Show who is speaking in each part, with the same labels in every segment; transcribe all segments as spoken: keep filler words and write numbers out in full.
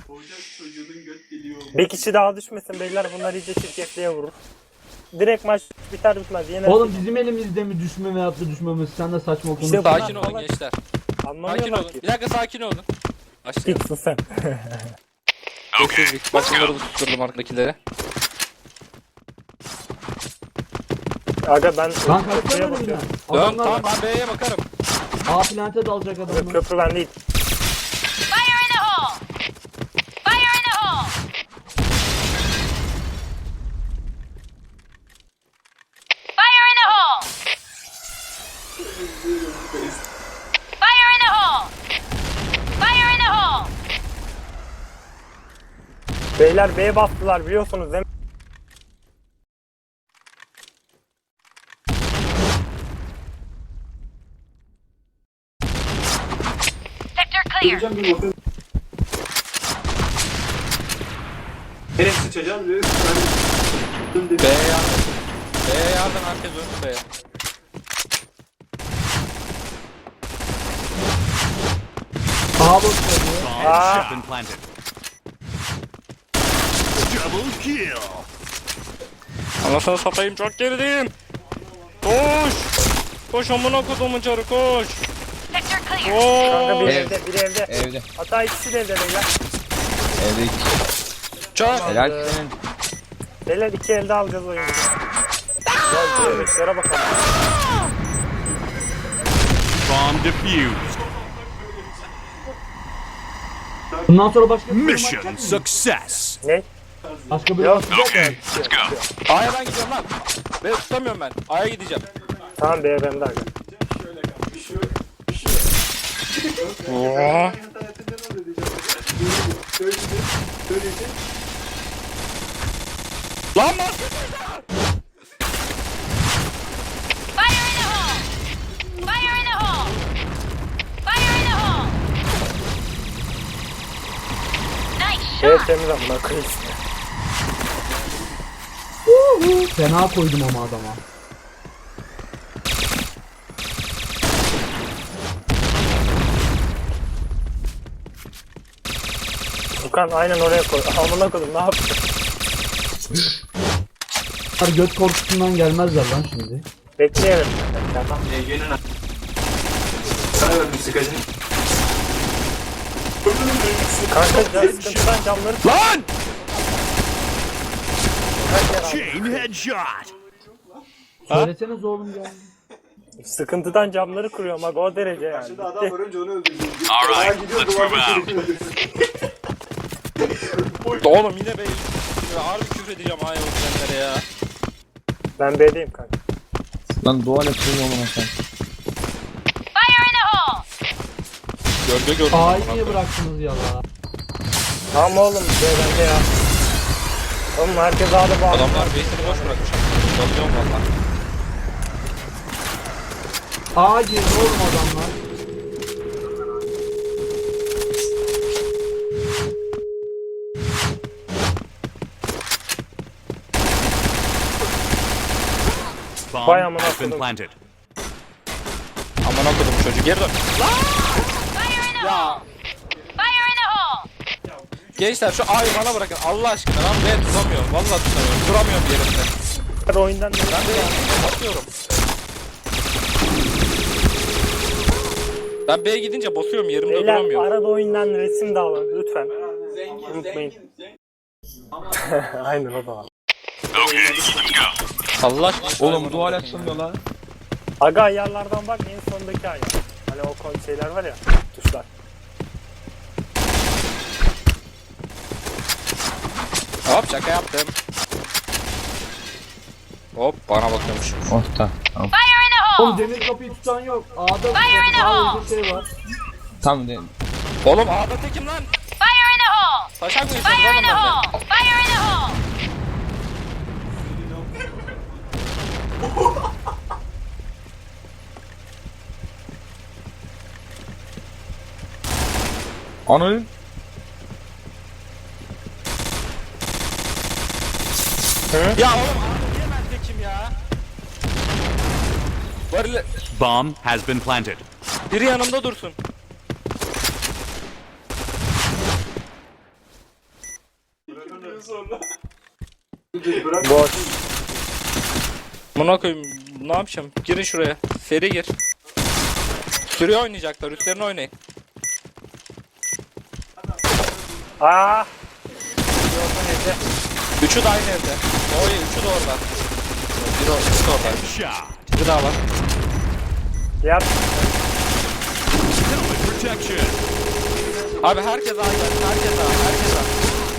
Speaker 1: Bir kişi daha düşmesin beyler, bunlar iyice çirkefliğe vurur. Direkt maç biter bitmez yener.
Speaker 2: Oğlum bizim elimizde mi düşme veyahut da düşmemesi? Sen de saçma konuş.
Speaker 1: İşte
Speaker 3: Sakin
Speaker 1: bunlar
Speaker 3: olun
Speaker 1: salak.
Speaker 3: gençler. Sakin
Speaker 1: Anlamıyorlar
Speaker 3: olun.
Speaker 1: ki.
Speaker 3: Bir dakika sakin olun. Başlayalım.
Speaker 1: Gitsin sen.
Speaker 3: Sessizlik. Başımları tutturdum arkadakileri.
Speaker 1: Aga ben
Speaker 2: Lan kaçsana
Speaker 1: köprüye
Speaker 2: önümden.
Speaker 1: bakıyorum.
Speaker 3: Dön
Speaker 2: Adamlar
Speaker 3: tamam ben B'ye bakarım.
Speaker 2: A plante dalacak adamlar.
Speaker 1: Köprü ben değil.
Speaker 4: Fire in the hole! Fire in the hole! Fire in the hole! Fire in the hole! Fire in the hole!
Speaker 1: Beyler B'ye bastılar biliyorsunuz değil mi?
Speaker 4: Sector clear.
Speaker 5: Nereye sıçacağım? Nereye sıçacağım?
Speaker 3: B'ye yardım. B'ye yardım herkes dönsün B'ye.
Speaker 2: A boş veriyor.
Speaker 1: Aa,
Speaker 6: Has been planted. Double kill.
Speaker 3: Anasını satayım çok gerideyim. Koş. Koş amına kodumun çarı koş.
Speaker 4: Sector clear.
Speaker 1: kanka
Speaker 3: Koş.
Speaker 1: biri evde, biri evde.
Speaker 7: Evde.
Speaker 1: Hatta ikisi de evde beyler.
Speaker 7: Evde iki.
Speaker 3: Çak.
Speaker 7: Helal senin.
Speaker 1: Beyler iki elde alacağız oyunu. Gel bebeklere bakalım.
Speaker 6: Bomb defused.
Speaker 2: Bundan sonra başka bir maç
Speaker 6: Mission
Speaker 2: yapmayın.
Speaker 6: success.
Speaker 1: Ne?
Speaker 2: Başka bir
Speaker 1: Yok.
Speaker 6: Okay, let's go.
Speaker 3: A'ya ben gidiyorum lan. B'ye tutamıyorum ben. A'ya gideceğim.
Speaker 1: Tamam B bende aga.
Speaker 3: Oo. Lan bak.
Speaker 4: Fire in the hole! Fire in the hole! Fire in the hole! Nice
Speaker 1: Evet
Speaker 4: shot!
Speaker 1: temiz amına koyayım.
Speaker 2: Fena koydum ama adama.
Speaker 1: Furkan aynen oraya koy. Amına koydum ne yapayım?
Speaker 2: Bunlar göt korkusundan gelmezler lan şimdi.
Speaker 1: Bekleyelim. Tamam.
Speaker 5: Ege'nin a- Sana verdim sıkacını.
Speaker 1: Kanka can sıkıntıdan camları
Speaker 3: Lan.
Speaker 6: Chain headshot.
Speaker 2: Söyleseniz oğlum ya.
Speaker 1: sıkıntıdan camları kırıyorum aga o derece yani.
Speaker 5: Şimdi adam var önce onu öldürdü.
Speaker 6: All right,
Speaker 5: Ben gidiyorum,
Speaker 6: let's move
Speaker 5: duvardan
Speaker 6: out.
Speaker 5: öldürdü.
Speaker 3: Oğlum yine B'ye. Harbi küfür edeceğim A'ya oturanlara ya.
Speaker 1: Ben B'deyim kanka.
Speaker 7: Lan dual açılıyor mu sen?
Speaker 4: Fire in the hole!
Speaker 3: Gölge gördüm.
Speaker 2: A'yı niye bıraktınız ya la?
Speaker 1: Tamam oğlum B bende ya. Oğlum herkes ağda bağlı.
Speaker 3: Adamlar B'sini boş bırakmış. Bakıyorum valla.
Speaker 2: A girdi oğlum adamlar.
Speaker 6: Bomb
Speaker 1: Vay amına
Speaker 6: has been
Speaker 1: koydum.
Speaker 6: planted.
Speaker 3: Aman okudum çocuğu geri dön.
Speaker 4: Fire in the hole! Fire in the hole!
Speaker 3: Gençler şu A'yı bana bırakın Allah aşkına lan B tutamıyorum. Vallahi tutamıyorum. Duramıyorum yerimde.
Speaker 1: Oyundan
Speaker 3: Ben de yanlış basıyorum. Ben B'ye gidince basıyorum yerimde
Speaker 1: Beyler
Speaker 3: duramıyorum.
Speaker 1: arada oyundan resim de alın lütfen. Unutmayın. Aynen o da var.
Speaker 6: Okay, let's go.
Speaker 3: Allah aşkına.
Speaker 7: Oğlum dual açılmıyor lan.
Speaker 1: Aga ayarlardan bak en sondaki ayar. Hani o kon şeyler var ya tuşlar.
Speaker 3: Hop şaka yaptım. Hop bana bakıyormuş.
Speaker 7: Orta. Tamam.
Speaker 4: Fire in the
Speaker 2: Oğlum
Speaker 4: hole!
Speaker 2: demir kapıyı tutan yok. A'da
Speaker 4: Fire in the hole!
Speaker 2: bir şey var.
Speaker 7: Tamam de.
Speaker 3: Oğlum A'da tekim lan.
Speaker 4: Fire in the hole!
Speaker 3: Taşak mı
Speaker 4: Fire in
Speaker 3: yiyeceğim
Speaker 4: the
Speaker 3: lan
Speaker 4: hole! Fire in the hole!
Speaker 7: Ananın.
Speaker 3: ben? Ya oğlum A'da niye ben tekim ya? Varil
Speaker 6: Bomb has been planted.
Speaker 3: biri yanımda dursun.
Speaker 1: Boş.
Speaker 3: Buna koyayım. Ne yapacağım? Girin şuraya. Seri gir. Sürüyor oynayacaklar. Üstlerine oynayın.
Speaker 1: Aa. Yolun evde.
Speaker 3: Üçü de aynı evde. Oy, üçü de orada. Biri orada. Üçü de orada.
Speaker 6: Shot.
Speaker 3: Bir daha var.
Speaker 1: Diğer
Speaker 6: Helmet protection.
Speaker 3: Abi herkes A gelsin. Herkes A. Herkes A.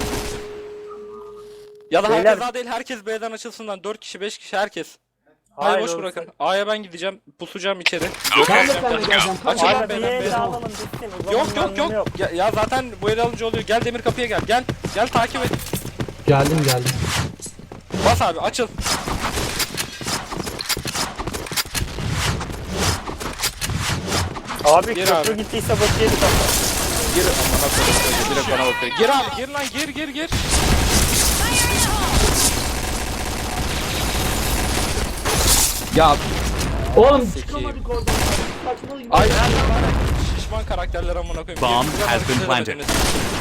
Speaker 3: Ya da
Speaker 1: Beyler-
Speaker 3: herkes A değil. Herkes B'den açılsın lan. dört kişi, beş kişi herkes. Hayır,
Speaker 1: Hayır,
Speaker 3: boş
Speaker 1: olsun.
Speaker 3: bırakın. A'ya ben gideceğim. Pusacağım içeri.
Speaker 2: Ben de seninle geleceğim. Kaç
Speaker 3: Açın
Speaker 1: Abi
Speaker 3: lan
Speaker 1: bir
Speaker 3: B'den.
Speaker 1: el
Speaker 3: B'den.
Speaker 1: alalım bitsin. O zaman
Speaker 3: Yok yok
Speaker 1: anlamı
Speaker 3: yok. Ya, ya zaten bu el alınca oluyor. Gel demir kapıya gel. Gel. Gel takip et.
Speaker 2: Geldim geldim.
Speaker 3: Bas abi açıl.
Speaker 1: Abi
Speaker 3: Gir
Speaker 1: köprü
Speaker 3: abi.
Speaker 1: gittiyse bak yedik ama.
Speaker 3: Gir amına koyayım. Direkt bana bakıyor. Gir abi gir lan gir gir gir.
Speaker 7: Ya
Speaker 2: Oğlum
Speaker 3: Sikeyim.
Speaker 2: çıkamadık oradan. Saçmalıyım.
Speaker 3: Ay her zaman şişman karakterler amına koyayım.
Speaker 6: Bomb
Speaker 3: Birbirinize
Speaker 6: has been
Speaker 3: bakın,
Speaker 6: planted.
Speaker 3: bakın.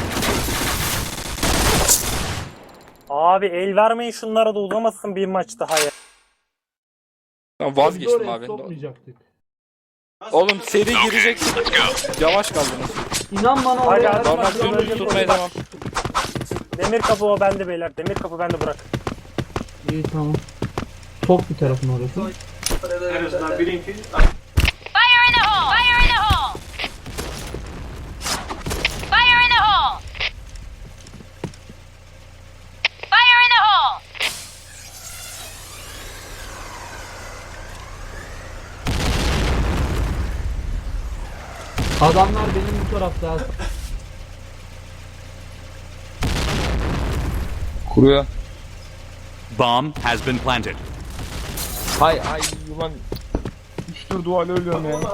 Speaker 1: Abi el vermeyin şunlara da uzamasın bir maç daha ya.
Speaker 3: Tamam
Speaker 2: Biz de
Speaker 3: vazgeçtim
Speaker 2: oraya
Speaker 3: abi.
Speaker 2: sokmayacaktık.
Speaker 3: Oğlum seri gireceksin. Yavaş kaldınız.
Speaker 2: İnan bana
Speaker 1: Hadi
Speaker 2: oraya.
Speaker 1: hadi.
Speaker 3: Normal
Speaker 1: Hadi,
Speaker 3: dümdüz
Speaker 1: hadi.
Speaker 3: tutmaya devam.
Speaker 1: Demir kapı o bende beyler. Demir kapı bende bırak.
Speaker 2: İyi tamam. Sok bir tarafın orası.
Speaker 5: En azından birinki.
Speaker 4: Fire in the hole! Fire in the hole! Fire in the hole! Fire in the hole!
Speaker 2: Adamlar benim bu tarafta.
Speaker 7: kuruyor.
Speaker 6: Bomb has been planted.
Speaker 7: Hay ay ulan. Üçtür duvarla ölüyorum ya.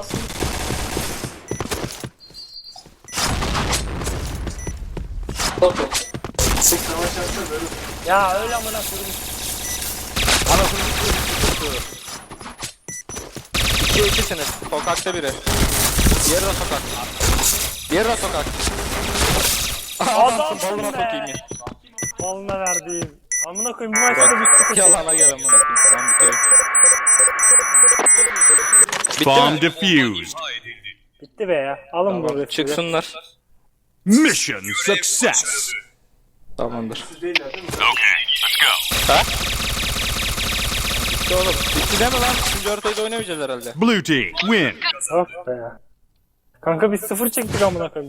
Speaker 5: Savaş yapsa böyle.
Speaker 1: Ya öyle amına koyayım.
Speaker 3: Anasını tutuyor. İkiye ikisiniz. Sokakta biri. Diğeri de sokak. Diğeri de sokak.
Speaker 1: Adamsın
Speaker 3: Balına
Speaker 1: be.
Speaker 3: sokayım ya.
Speaker 1: Balına verdiğim. Amına koyayım bu maçta da bir sıkıntı.
Speaker 3: Yalana gel amına koyayım. Tamam bitiyor. Bitti
Speaker 6: Bomb
Speaker 3: mi?
Speaker 6: defused.
Speaker 1: Bitti be ya. Alın
Speaker 3: Tamam,
Speaker 1: bunu.
Speaker 3: çıksınlar.
Speaker 6: Mission success.
Speaker 3: Tamamdır.
Speaker 5: Değiller değil mi?
Speaker 3: Ha? Bitti oğlum. Bitti deme lan. Üçüncü haritayı da oynamayacağız herhalde.
Speaker 6: Blue team win.
Speaker 1: Oh be ya. Kanka biz sıfır çektik amına koyayım.